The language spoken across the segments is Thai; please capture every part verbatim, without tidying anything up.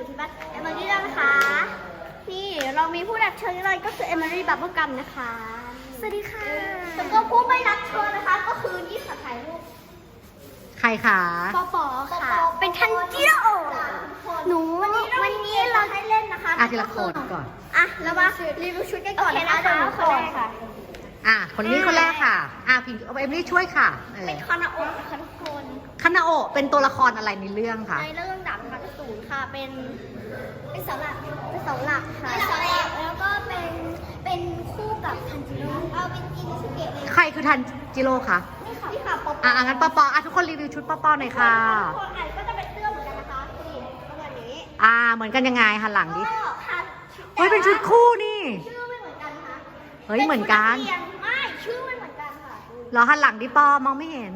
อยู่ที่บ้านเอมิลี่แล้วนะคะนี่เรามีผู้รับเชิญเลยก็คือเอมิลี่บับเบิ้ลกัมนะคะสวัสดีค่ะแล้วก็ผู้ไม่รับเชิญนะคะก็คือนี่ค่ะถ่ายรูปใครคะปอปอค่ะเป็นทันจิโร่หนูวันนี้วันนี้เราให้เล่นนะคะอ่ะทีละคนก่อนอ่ะเรามารีวิวชุดกันก่อนนะคะเดี๋ยวหนูคนแรกค่ะอ่ะคนนี้คนแรกค่ะอ่ะพิงเอมิลี่ช่วยค่ะเป็นคานาโอะนะคะทุกคนคานาโอะเป็นตัวละครอะไรในเรื่องคะในเรื่องดาบพันศูนย์ค่ะเป็นเป็นเสาหลักเป็นเสาหลักค่ะเสาหลักแล้วก็เป็นเป็นคู่กับทันจิโร่เอาเป็นอินสุเกะเลยใครคือทันจิโร่คะนี่ค่ะนี่ค่ะปอปออ่ะงั้นปอปออ่ะทุกคนรีวิวชุดปอปอหน่อยค่ะทุกคนอ่ะก็จะเป็นเสื้อเหมือนกันนะคะนี่ประมาณนี้อ่าเหมือนกันยังไงหันหลังดิก็ค่ะเฮ้ยเป็นชุดคู่นี่ชื่อไม่เหมือนกันค่ะเฮ้ยเหมือนกันไม่ชื่อไม่เหมือนกันค่ะเหรอหันหลังดิปอมองไม่เห็น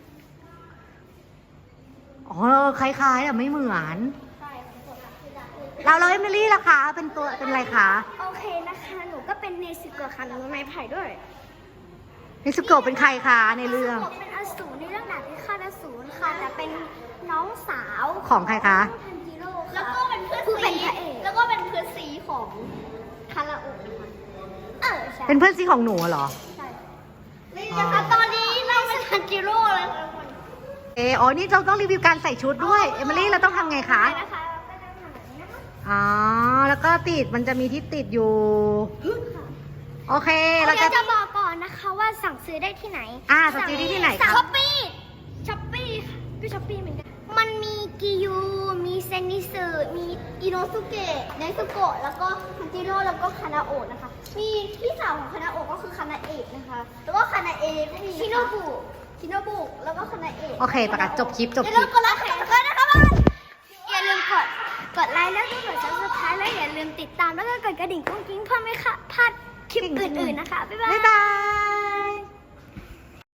อ๋อคล้ายๆอ่ะไม่เหมือนเราเราเอมิลี่ล่ะคะเป็นตัวเป็นอะไรคะโอเคนะคะหนูก็เป็นเนซึโกะค่ะหนูไม้ไผ่ด้วยเนซึโกะเป็นใครคะในเรื่องเป็นอสูรในเรื่องดาบพิฆาตอสูรค่ะแต่เป็นน้องสาวของใครคะทันจิโร่แล้วก็เป็นเพื่อนซีแล้วก็เป็นเพื่อนซีของคาราโอะค่ะเออใช่เป็นเพื่อนซีของหนูเหรอใช่นี่นะคะตอนนี้เราเป็นทันจิโร่เลยค่ะเอออ๋อนี่เราต้องรีวิวการใส่ชุดด้วยเอมิลี่เราต้องทำไงคะอ๋อแล้วก็ติดมันจะมีที่ติดอยู่โอเคเราจะจะบอกก่อนนะคะว่าสั่งซื้อได้ที่ไหนอ่าสั่งซื้อได้ที่ไหนคะช้อปปี้ช้อปปี้ก็ช้อปปี้เหมือนกันมันมีกิยูมีเซนิสึมีอิโนสุเกะเนซุโกะแล้วก็ทันจิโร่แล้วก็คานาโอะนะคะมีพี่สาวของคานาโอะก็คือคานาเอะนะคะแล้วก็คานาเอะก็มีชิโนบุชิโนบุแล้วก็คานาเอะโอเคประกาศจบคลิปจบคลิปอย่าลืมกดไลค์กันนะคะบ้านอย่าลืมกดกดไลค์แล้วก็กดซับสไครต์แล้วอย่าลืมติดตามแล้วก็กดกระดิ่งกุ้งกิ้งเพื่อไม่พลาดคลิปอื่นๆนะคะบ๊ายบายบ๊ายบาย